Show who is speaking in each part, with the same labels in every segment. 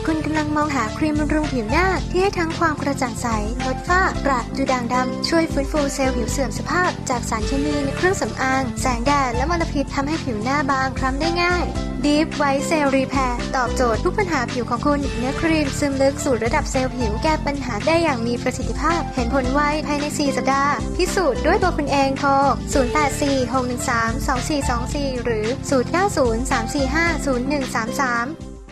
Speaker 1: คุณกำลังมองหาครีมบำรุงผิวหน้าที่ให้ทั้งความกระจ่างใสลดฝ้ากระดูด่างดำช่วยฟื้นฟูเซลล์ผิวเสื่อมสภาพจากสารเคมีในเครื่องสำอางแสงแดดและมลพิษทำให้ผิวหน้าบางคล้ำได้ง่าย Deep White Cell Repair ตอบโจทย์ทุกปัญหาผิวของคุณเนื้อครีมซึมลึกสู่ระดับเซลล์ผิวแก้ปัญหาได้อย่างมีประสิทธิภาพเห็นผลไวภายใน 4 สัปดาห์พิสูจน์ด้วยตัวคุณเองโทร 0846132424 หรือ 0903450133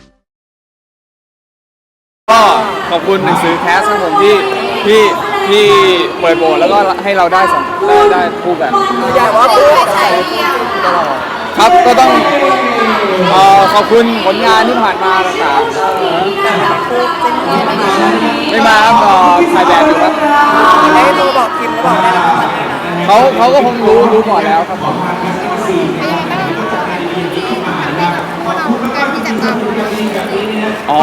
Speaker 2: ก็ขอบคุณหนังสือแคสของผมที่เปิดโบสแล้วก็ให้เราได้ได้คู่กัน
Speaker 3: อยากว่าพูด
Speaker 2: ครับก็ต้องขอบคุณผลงานที่ผ่านมาต่างๆไม่มาครับถ่ายแบบอยู่ครับ
Speaker 3: ได้ดูบอกคิมแล้วบอกได้
Speaker 2: เขาก็คงรู้ก่อนแล้วครับผมอ๋อ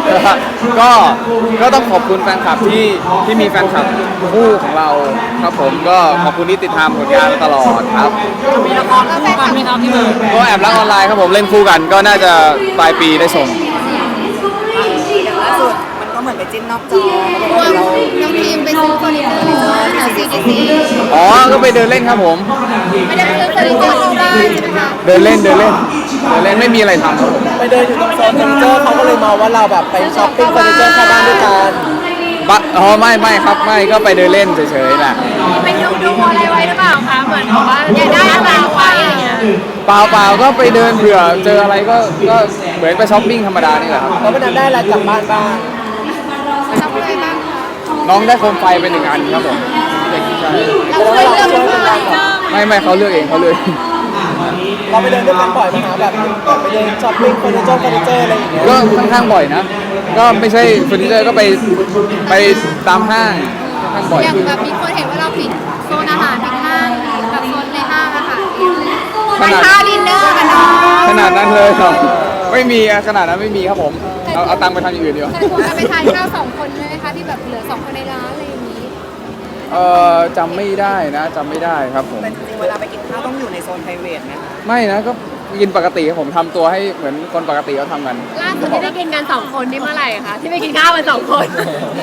Speaker 2: ก็ต้องขอบคุณแฟนคลับที่มีแฟนคลับคู่ของเราครับผมก็ขอบคุณที่ติดตามผลงานตลอดครับ
Speaker 3: มีละครคู่กันไหมครับพี่เบิร์ด
Speaker 2: ก็แอบรักออนไลน์ครับผมเล่นคู่กันก็น่าจะปลายปีได้ส่ง
Speaker 3: อย่างล่าสุดมันก็เหมือนไปจิ้นนอกจอ
Speaker 4: น้องทีมไปซื้อเฟอร์นิเจอร์แถว CDC
Speaker 2: อ๋อก็ไปเดินเล่นครับผม
Speaker 4: ไม่ได้ไปซื้อเฟอร์นิเจอร์เข้าบ้านใช่ไหมคะ
Speaker 2: เดินเล่นไม่มีอะไรทำครับผม
Speaker 3: ไปเดินอยู่ตรงโซนเฟอร์นิเจอร์เขาก็เลยมองว่าเราแบบไปช้อปปิ้งเฟอร์นิเจอร์เข้าบ้านด้วยกัน
Speaker 2: ไม่ครับไม่ก็ไปเดินเล่นเฉยๆแหละ
Speaker 4: ไปดูอะไรไว้หรือเปล่าคะเหมือนว่าอยากได้อะไรไว้อย่างเงี้ย
Speaker 2: เปล่าก็ไปเดินเผื่อเจออะไรก็เหมือนไปช้อปปิ้งธรรมดานี่แหละครับ
Speaker 3: แล้ววันนั้นได้อะไรกลับบ้านบ้าง
Speaker 4: ชอบอะไรบ้างคะ
Speaker 2: น้องได้โคมไฟเป็น1 อันครับผม
Speaker 4: เราเคยเลือกเฟอร์นิเจอร์
Speaker 2: ไม่เขาเลือกเองเขาเลย
Speaker 3: เราไปเดินด้วยกันบ่อยไหมคะแบบไปเดินช้อปปิ้งเฟอร์นิเจอร์อะไรอย่างเงี้ย
Speaker 2: ก็ค่อนข้างบ่อยนะก็ไม่ใช่เฟอร์นิเจอร์ก็ไปตามห้างค่อนข้างบ่อย
Speaker 4: อย่างแบบมีคนเห็นว่าเราปิดโซนอาหารปิดห้างแบบโซนในห้างอะค่ะไปค่าดินเนอร์กันเนาะ
Speaker 2: ขนาดนั้นเลยครับไม่มีขนาดนั้นไม่มีครับผมเอาตังค์ไปทำอย่างอื่นดีกว่า
Speaker 4: แต่ผมจะไปทานข้าว2 คนเลยนะคะที่แบบเหลือ2 คนในร้านอะไรอย่างนี้
Speaker 2: จำไม่ได้ครับผม
Speaker 3: แต่จริงๆเวลาไปกินข้าวต้องอยู่ในโซนไพรเวทนะคะ
Speaker 2: ไม่นะก็กินปกติผมทำตัวให้เหมือนคนปกติเขาทำกัน
Speaker 4: ล่าสุดที่ได้กินกัน2 คนนี่เมื่อไหร่คะที่ไปกินข้าวกัน2 คน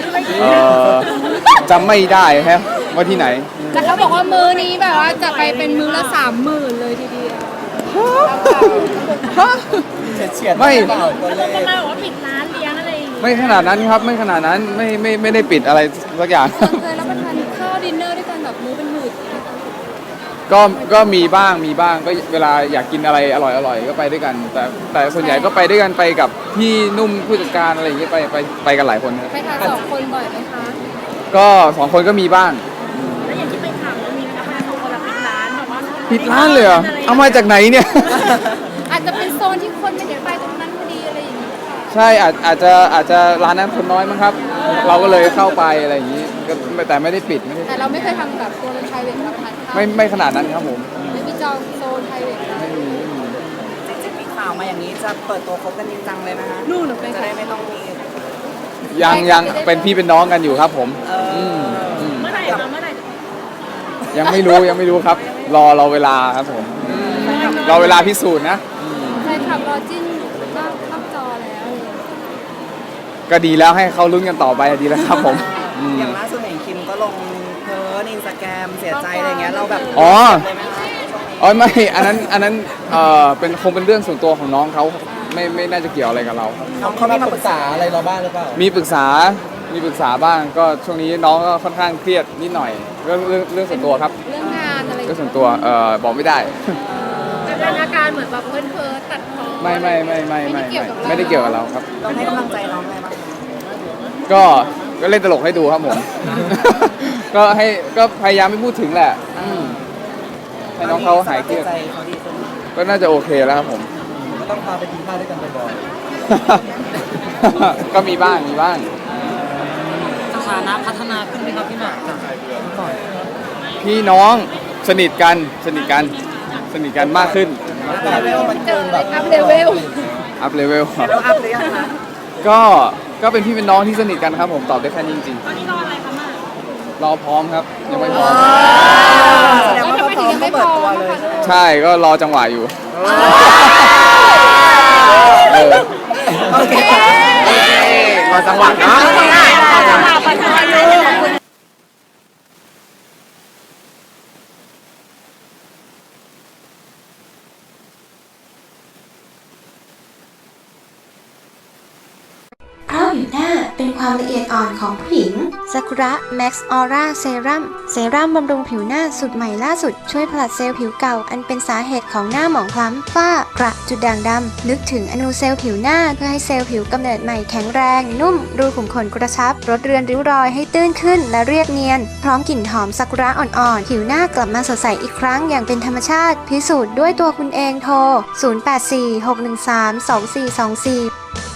Speaker 2: จำไม่ได้ฮะว่าที่ไหน
Speaker 4: แต่เขาบอกว่ามื้อนี้แบบว่าจะไปเป็นมื้อละ30,000เลยทีเดียว
Speaker 2: ไม่
Speaker 4: จะมาบอกว่าปิดร้านเลี้ยงอะไรอย่างงี้
Speaker 2: ไม่ขนาดนั้นครับไม่ขนาดนั้นไม่ได้ปิดอะไรสักอย่าง
Speaker 4: เคยรับประทานข้าวดินเนอร์ด้วยกันแบบมื้อเป็นหมื่น
Speaker 2: ก็มีบ้างก็เวลาอยากกินอะไรอร่อยก็ไปด้วยกันแต่ส่วนใหญ่ก็ไปด้วยกันไปกับพี่นุ่มผู้จัดการอะไรอย่างเงี้ยไปกันหลายคน
Speaker 4: ไปทาน2 คนบ่อยไหมคะ
Speaker 2: ก็2 คนก็มีบ้าง
Speaker 4: แล้วอย่างที่ไปถามแล้วมีนะคะ2 คนปิดร้านแบบว่า
Speaker 2: ปิดร้านเลยเหรอเอามาจากไหนเนี่ย
Speaker 4: อาจจะเป็นโซนที่คนไม่ได้ไปตรงนั้นพอดีอะไรอย่างเงี้ย
Speaker 2: ใช่อาจจะร้านนั้นคนน้อยมั้งครับเราก็เลยเข้าไปอะไรอย่างงี้แต่ไม่ได้ปิด
Speaker 4: แต่เราไม่เคยทำแบบตัวเป็นไพรเวทรับประทานข้าว
Speaker 2: ไม่ขนาดนั้นครับผม
Speaker 4: ไม่มีจองโซนไพรเวท
Speaker 3: ไม่มีจริงๆมีข่าวมาอย่างนี้จะเปิดตัวคบกันจริงจังเลยนะคะ
Speaker 4: นู่นหนูเป็น
Speaker 3: จะได้ไม่ต้องมี
Speaker 2: ยังเป็นพี่เป็นน้องกันอยู่ครับผม
Speaker 4: เมื่อไหร่
Speaker 2: ยังไม่รู้ครับรอเวลาครับผมรอเวลาพิสูจน์นะ
Speaker 4: ใช่ขับรอจิ้นนอกจอแล้ว
Speaker 2: ก็ดีแล้วให้เขาลุ้นกันต่อไปดีแล้วครับผม
Speaker 3: อย่างล่าสุดเห็นคิมก็ลงเพิร์นInstagramเสียใจอะไรเงี้ยเราแบบ
Speaker 2: ไม่อันนั้นคงเป็นเรื่องส่วนตัวของน้องเขาไม่น่าจะเกี่ยวอะไรกับเรา
Speaker 3: เขามีมาปรึกษาอะไรเราบ้างหรือเปล่า
Speaker 2: มีปรึกษาบ้างก็ช่วงนี้น้องก็ค่อนข้างเครียดนิดหน่อยเรื่องส่วนตัวครับ
Speaker 4: เรื่องงานอะไร
Speaker 2: เรื่องส่วนตัวบอกไม่ได้
Speaker 4: เป็นอาการเหมือนแบบเพ้อตัดพ้อ
Speaker 2: ไม่ได้เกี่ยวกับเราครับ
Speaker 3: เราให้กำลังใจน้องไงบ้าง
Speaker 2: ก็เล่นตลกให้ดูครับผมก็พยายามไม่พูดถึงแหละให้น้องเขาหายเครียดก็น่าจะโอเคแล้วครับผม
Speaker 3: ก็ต้องพาไปกินข้าวด้วยกันบ่อย
Speaker 2: ๆก็มีบ้าง
Speaker 3: สถานะพัฒนาขึ้นไหมครับพี่หมากจากก่อน
Speaker 2: พี่น้องสนิทกันมากขึ้น
Speaker 3: เลเวลมันเกินแบบ
Speaker 4: อัพเลเวล
Speaker 3: อัพหรือยังคะ
Speaker 2: ก็เป็นพี่เป็นน้องที่สนิทกันครับผมตอบได้แค่นี้จริง
Speaker 4: ๆตอนนี้รออะไรคะมาร
Speaker 2: อพร้อมครับยังไม่พร้อม
Speaker 3: แล้วทำไมถึงยังไม่เปิดตัวเลย
Speaker 2: ใช่ก็รอจังหวะอยู่
Speaker 3: โอเคขอจังหวะเนาะ
Speaker 1: เพราะผิวหน้าเป็นความละเอียดอ่อนของผู้หญิงซากุระแม็กซ์ออร่าเซรั่มบำรุงผิวหน้าสูตรใหม่ล่าสุดช่วยผลัดเซลล์ผิวเก่าอันเป็นสาเหตุของหน้าหมองคล้ำฝ้ากระจุดด่างดำลึกถึงอนูเซลล์ผิวหน้าเพื่อให้เซลล์ผิวกำเนิดใหม่แข็งแรงนุ่มรูขุมขนกระชับลดเรือนริ้วรอยให้ตื้นขึ้นและเรียบเนียนพร้อมกลิ่นหอมซากุระอ่อนๆผิวหน้ากลับมาสดใสอีกครั้งอย่างเป็นธรรมชาติพิสูจน์ด้วยตัวคุณเองโทร 0846132424